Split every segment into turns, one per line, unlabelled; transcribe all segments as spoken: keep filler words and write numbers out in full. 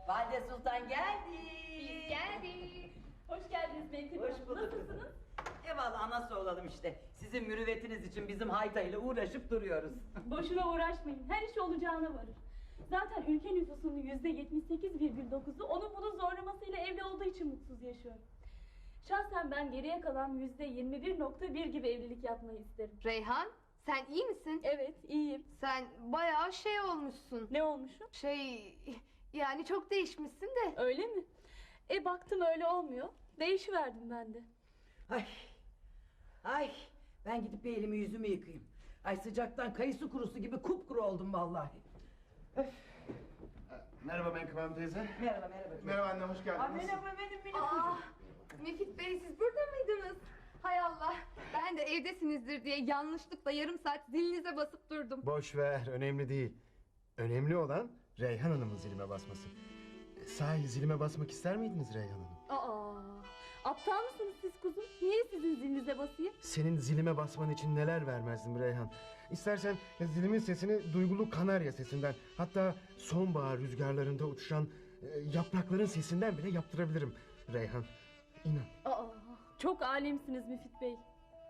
Valide Sultan geldi.
Biz geldik. Hoş geldiniz Meltem Hanım.
Hoş bulduk.
Nasılsınız?
Eyvallah, anası olalım işte. Sizin mürüvvetiniz için bizim haytayla uğraşıp duruyoruz.
Boşuna uğraşmayın. Her iş olacağına varır. Zaten ülke nüfusunun yüzde yetmiş sekiz virgül dokuzu onun bunun zorlamasıyla evli olduğu için mutsuz yaşıyor. Şahsen ben geriye kalan yüzde yirmi bir nokta bir gibi evlilik yapmayı isterim.
Reyhan, sen iyi misin?
Evet, iyiyim.
Sen bayağı şey olmuşsun.
Ne olmuşum?
Şey, yani çok değişmişsin de.
Öyle mi? E baktım öyle olmuyor. Değişiverdim ben de.
Ay, ay, ben gidip bir elimi yüzümü yıkayayım. Ay, sıcaktan kayısı kurusu gibi kupkuru oldum vallahi. Öf.
Merhaba Menkıbe Hanım teyze.
Merhaba, merhaba.
Merhaba anne, hoş geldiniz.
Aa, merhaba benim benim
Aa,
çocuğum.
Müfit Bey siz burada mıydınız? Hay Allah, ben de evdesinizdir diye yanlışlıkla yarım saat zilinize basıp durdum.
Boş ver, önemli değil. Önemli olan Reyhan Hanım'ın zilime basması. Sahi zilime basmak ister miydiniz Reyhan Hanım?
Aa, aptal mısınız siz kuzum? Niye sizin zilinize basayım?
Senin zilime basman için neler vermezdim Reyhan. İstersen zilimin sesini duygulu kanarya sesinden, hatta sonbahar rüzgarlarında uçuşan e, yaprakların sesinden bile yaptırabilirim Reyhan. İnan.
Aa, çok alemsiniz Müfit Bey.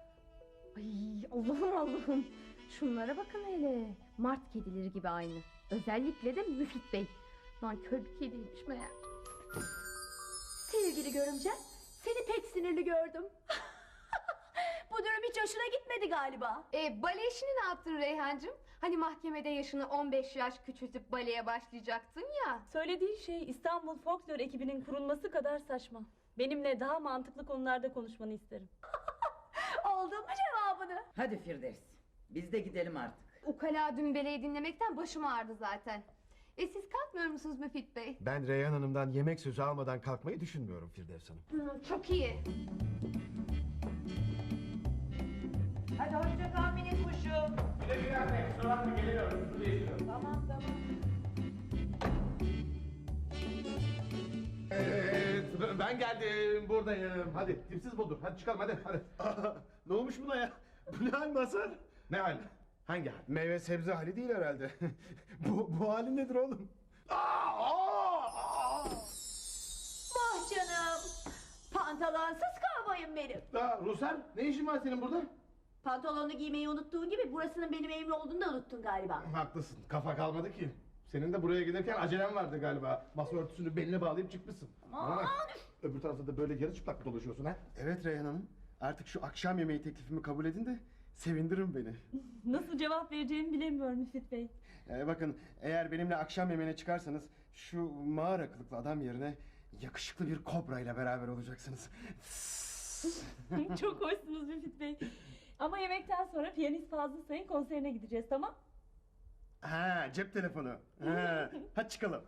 Ay Allah'ım Allah'ım. Şunlara bakın hele. Mart kedileri gibi aynı. Özellikle de Müfit Bey. Lan kör bir kediymiş meğer.
Sevgili görümcem, seni pek sinirli gördüm. Bu durum hiç hoşuna gitmedi galiba.
E, bale işini ne yaptın Reyhancığım? Hani mahkemede yaşını on beş yaş küçültüp baleye başlayacaktın ya.
Söylediği şey İstanbul Folklor ekibinin kurulması kadar saçma. Benimle daha mantıklı konularda konuşmanı isterim.
Aldın mı cevabını?
Hadi Firdevs, biz de gidelim artık.
Ukala dümbeleyi dinlemekten başım ağrıdı zaten. E siz kalkmıyor musunuz Müfit Bey?
Ben Reyhan Hanım'dan yemek sözü almadan kalkmayı düşünmüyorum Firdevs Hanım.
Hı, çok iyi.
Hadi hoşça kal minik kuşum.
Güle güle anne, kusura bakma geliyorum. Su değiştiriyorum.
Tamam tamam.
Evet, ben geldim, buradayım. Hadi, tipsiz budur. Hadi çıkalım, hadi, hadi.
Ne olmuş buna ya? Bu ne hal Mazhar?
Ne hal? Hangi hal?
Meyve sebze hali değil herhalde. bu, bu hali nedir oğlum?
Aa, aa, aa.
Vah canım. Pantolonsuz kovboyum benim.
Aa, Ruslan, ne işin var senin burada?
Pantolonunu giymeyi unuttuğun gibi burasının benim evim olduğunu da unuttun galiba.
Haklısın, kafa kalmadı ki. Senin de buraya gelirken acelen vardı galiba. Masa örtüsünü beline bağlayıp çıkmışsın. Bana bak, öbür tarafta da böyle yarı çıplak mı dolaşıyorsun ha?
Evet Reyhan Hanım. Artık şu akşam yemeği teklifimi kabul edin de sevindirin beni.
Nasıl cevap vereceğimi bilemiyorum Müfit Bey.
Ee, bakın eğer benimle akşam yemeğine çıkarsanız şu mağara kılıklı adam yerine yakışıklı bir kobra ile beraber olacaksınız.
Çok hoşsunuz Müfit Bey. Ama yemekten sonra piyanist Fazıl Say'ın konserine gideceğiz, tamam?
Ha, cep telefonu. Ha, hadi çıkalım.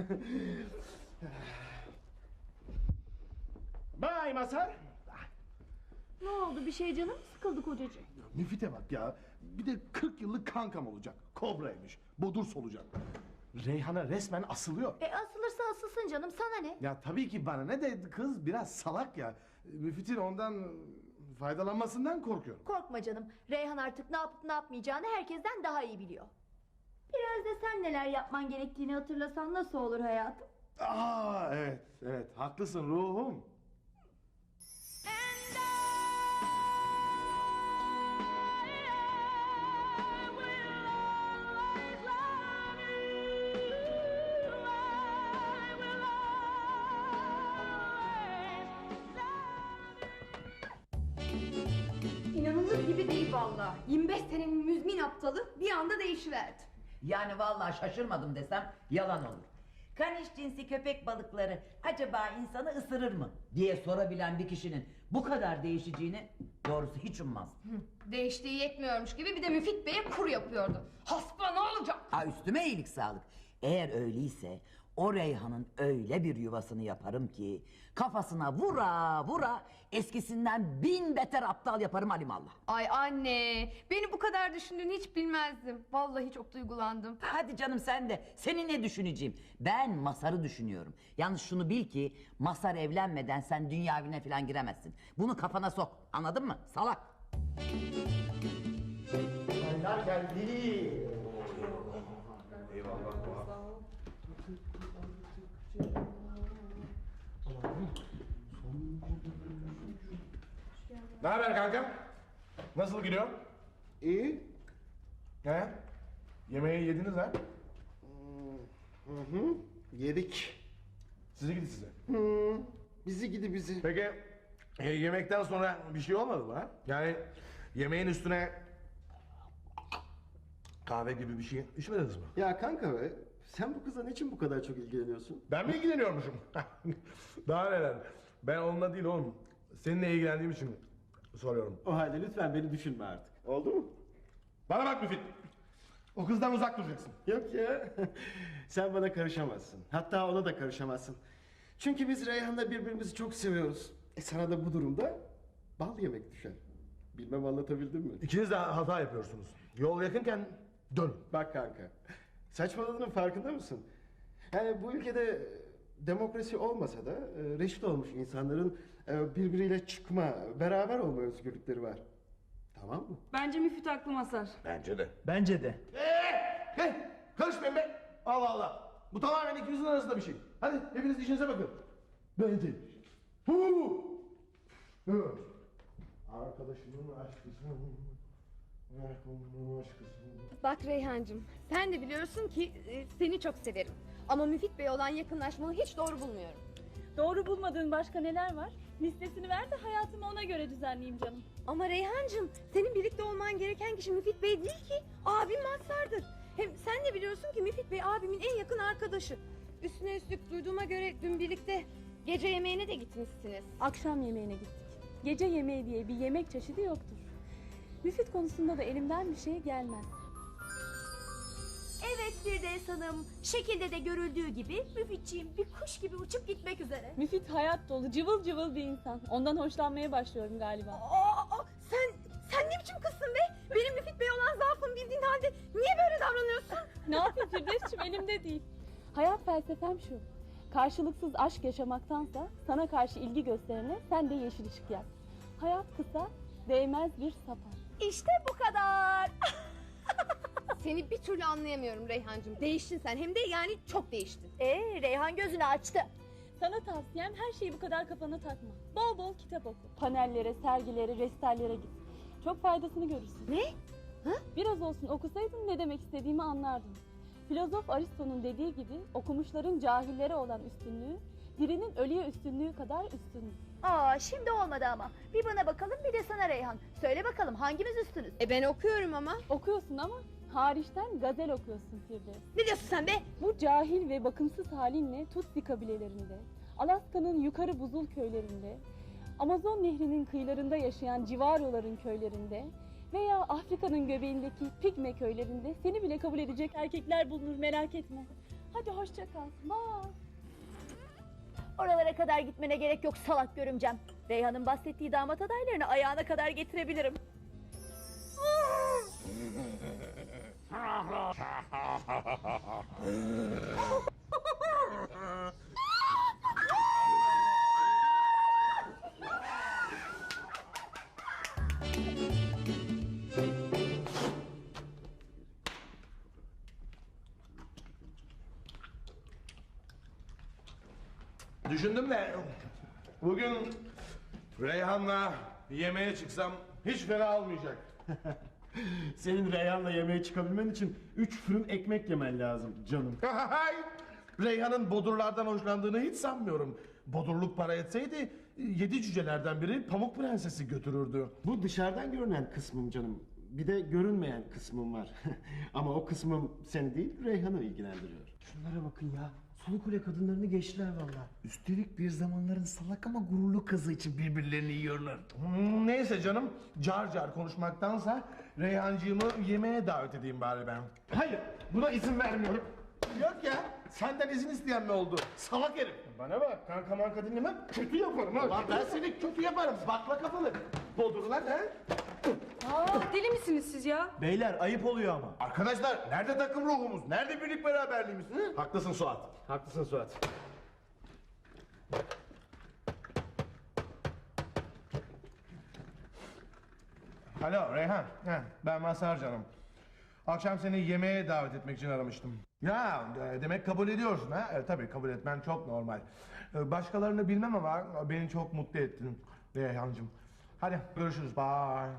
Bay Mazhar.
Ne oldu, bir şey canım mı sıkıldı kocacığım?
Müfit'e bak ya. Bir de kırk yıllık kankam olacak. Kobraymış. Bodurs olacak. Reyhan'a resmen asılıyor.
E asılırsa asılsın canım, sana ne?
Ya tabii ki bana ne de kız biraz salak ya. Müfit'in ondan faydalanmasından korkuyorum.
Korkma canım, Reyhan artık ne yapıp ne yapmayacağını herkesten daha iyi biliyor. Biraz da sen neler yapman gerektiğini hatırlasan nasıl olur hayatım?
Aa evet evet haklısın ruhum.
İnanılır gibi değil vallahi. yirmi beş senenin müzmin aptalı bir anda değişiverdi.
Yani vallahi şaşırmadım desem yalan olur. Kaniş cinsi köpek balıkları acaba insanı ısırır mı diye sorabilen bir kişinin bu kadar değişeceğini doğrusu hiç ummazdım.
Değiştiği yetmiyormuş gibi bir de Müfit Bey'e kur yapıyordu. Hasba ne olacak?
Ha, üstüme iyilik sağlık. Eğer öyleyse o Reyhan'ın öyle bir yuvasını yaparım ki kafasına vura vura eskisinden bin beter aptal yaparım alimallah.
Ay anne, beni bu kadar düşündüğünü hiç bilmezdim. Vallahi çok duygulandım.
Hadi canım sen de. Seni ne düşüneceğim? Ben Masar'ı düşünüyorum. Yalnız şunu bil ki Masar evlenmeden sen dünya evine falan giremezsin. Bunu kafana sok. Anladın mı? Salak.
Çaylar geldi. Ne haber kanka? Nasıl gidiyor?
İyi.
He? Yemeği yediniz ha?
Hı hı. Yedik.
Sizi gidi size.
Hı. Bizi gidi bizi.
Peki e, yemekten sonra bir şey olmadı mı ha? Yani yemeğin üstüne kahve gibi bir şey içmediniz mi?
Ya kanka be, sen bu kıza niçin bu kadar çok ilgileniyorsun?
Ben mi ilgileniyormuşum? Daha neler? Ben onunla değil oğlum. Seninle ilgilendiğim için soruyorum.
O halde lütfen beni düşünme artık. Oldu mu?
Bana bak Müfit. O kızdan uzak duracaksın.
Yok ya. Sen bana karışamazsın. Hatta ona da karışamazsın. Çünkü biz Reyhan'la birbirimizi çok seviyoruz. E sana da bu durumda bal yemek düşer. Bilmem anlatabildim mi?
İkiniz de hata yapıyorsunuz. Yol yakınken dönün.
Bak kanka. Saçmaladığının farkında mısın? Yani bu ülkede demokrasi olmasa da e, reşit olmuş insanların e, birbiriyle çıkma, beraber olma özgürlükleri var. Tamam mı?
Bence Müfit aklı masar.
Bence de.
Bence de.
Eee! He! Karışmayın be! Allah Allah! Bu tamamen ikinizin arasında bir şey. Hadi hepiniz işinize bakın. Ben de. Hu! Hı. Arkadaşımın aşkısın. Arkadaşımın aşkısın.
Bak Reyhancığım, sen de biliyorsun ki e, seni çok severim. Ama Müfit Bey olan yakınlaşmayı hiç doğru bulmuyorum.
Doğru bulmadığın başka neler var? Listesini ver de hayatımı ona göre düzenleyeyim canım.
Ama Reyhancığım, senin birlikte olman gereken kişi Müfit Bey değil ki. Abim Mazhar'dır. Hem sen de biliyorsun ki Müfit Bey abimin en yakın arkadaşı. Üstüne üstlük duyduğuma göre dün birlikte gece yemeğine de gitmişsiniz.
Akşam yemeğine gittik. Gece yemeği diye bir yemek çeşidi yoktur. Müfit konusunda da elimden bir şey gelmez.
Evet Firdevs Hanım, şekilde de görüldüğü gibi Müfitçiğim bir kuş gibi uçup gitmek üzere.
Müfit hayat dolu, cıvıl cıvıl bir insan. Ondan hoşlanmaya başlıyorum galiba.
Aa, aa, sen sen ne biçim kızsın be? Benim Müfit Bey olan zaafımı bildiğin halde niye böyle davranıyorsun?
Ne yapayım Firdevs'cim, elimde değil. Hayat felsefem şu. Karşılıksız aşk yaşamaktansa sana karşı ilgi gösterene sen de yeşil ışık yak. Hayat kısa, değmez bir sapan.
İşte bu kadar.
Seni bir türlü anlayamıyorum Reyhancığım. Değiştin sen, hem de yani çok değiştin.
Ee, Reyhan gözünü açtı.
Sana tavsiyem her şeyi bu kadar kafana takma. Bol bol kitap oku. Panellere, sergilere, restallere git. Çok faydasını görürsün.
Ne?
Biraz olsun okusaydın ne demek istediğimi anlardın. Filozof Aristo'nun dediği gibi okumuşların cahillere olan üstünlüğü, dirinin ölüye üstünlüğü kadar üstündür.
Aa, şimdi olmadı ama. Bir bana bakalım, bir de sana Reyhan. Söyle bakalım hangimiz üstünüz?
E ben okuyorum ama.
Okuyorsun ama hariçten gazel okuyorsun Firdevs.
Ne diyorsun sen be?
Bu cahil ve bakımsız halinle Tutsi kabilelerinde, Alaska'nın yukarı buzul köylerinde, Amazon nehrinin kıyılarında yaşayan Civaroların köylerinde veya Afrika'nın göbeğindeki Pigme köylerinde seni bile kabul edecek erkekler bulunur, merak etme. Hadi hoşça kal. Bye.
Oralara kadar gitmene gerek yok salak görümcem. Reyhan'ın bahsettiği damat adaylarını ayağına kadar getirebilirim.
Düşündüm de bugün Reyhan'la yemeğe çıksam hiç fena olmayacak.
Senin Reyhan'la yemeğe çıkabilmen için üç fırın ekmek yemen lazım canım.
Reyhan'ın bodurlardan hoşlandığını hiç sanmıyorum. Bodurluk para etseydi yedi cücelerden biri Pamuk Prenses'i götürürdü.
Bu dışarıdan görünen kısmım canım. Bir de görünmeyen kısmım var. Ama o kısmım seni değil Reyhan'ı ilgilendiriyor.
Şunlara bakın ya. Sulu kule kadınlarını geçtiler valla. Üstelik bir zamanların salak ama gururlu kızı için birbirlerini yiyorlar.
Hmm, neyse canım, car car konuşmaktansa Reyhancığımı yemeğe davet edeyim bari ben.
Hayır, buna izin vermiyorum.
Yok ya, senden izin isteyen mi oldu? Salak herif.
Bana bak, kanka manka dinlemem, kötü yaparım ha.
Lan ben seni kötü yaparım, bakla kafalı. Bodurlar ha?
Aa, deli misiniz siz ya?
Beyler ayıp oluyor ama.
Arkadaşlar, nerede takım ruhumuz? Nerede birlik beraberliğimiz? Hı? Haklısın Suat.
Haklısın Suat.
Alo Reyhan, Heh, ben Mazhar canım. Akşam seni yemeğe davet etmek için aramıştım. Ya e, demek kabul ediyorsun ha? E, tabii kabul etmen çok normal. E, başkalarını bilmem ama beni çok mutlu ettin Reyhancığım. Hadi görüşürüz. Bye.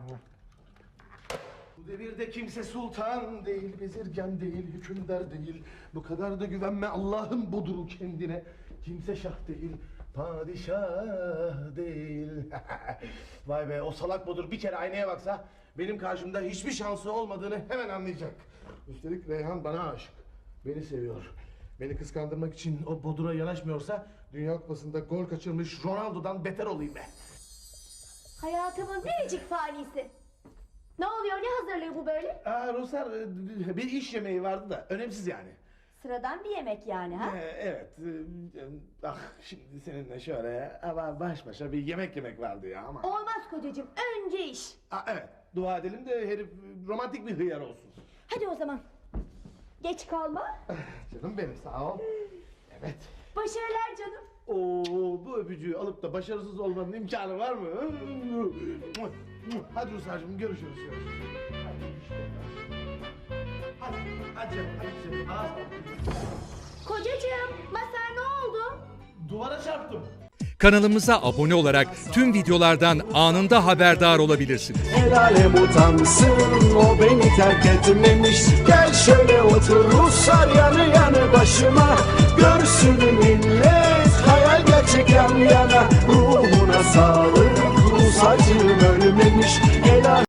Bu devirde kimse sultan değil, bezirgan değil, hükümdar değil. Bu kadar da güvenme Allah'ın buduru kendine. Kimse şah değil, padişah değil. Vay be, o salak budur bir kere aynaya baksa benim karşımda hiçbir şansı olmadığını hemen anlayacak. Üstelik Reyhan bana aşık. Beni seviyor. Beni kıskandırmak için o bodura yanaşmıyorsa Dünya Kupası'nda gol kaçırmış Ronaldo'dan beter olayım be.
Hayatımın biricik fanisi. Ne oluyor, ne hazırlığı bu böyle?
Aa Ruslar, e, bir iş yemeği vardı da önemsiz yani.
Sıradan bir yemek yani ha?
Ee, evet. e, Ah şimdi seninle şöyle ama baş başa bir yemek yemek vardı ya ama.
Olmaz kocacığım, önce iş.
Aa, evet. Dua edelim de herif romantik bir hıyar olsun.
Hadi o zaman. Geç kalma.
Canım benim sağ ol. Evet.
Başarılar canım.
Oo, bu öpücüğü alıp da başarısız olmanın imkanı var mı? Hadi Ruslar'cığım görüşürüz. Hadi, hadi canım, hadi canım. Ağız
Kocacığım, Mazhar ne oldu?
Duvara çarptım.
Kanalımıza abone olarak tüm videolardan anında haberdar olabilirsiniz.
El alem utansın, o beni terk etmemiş. Gel şöyle otur Ruslar yanı yanı başıma. Görsün millet hayal gerçek yan yana.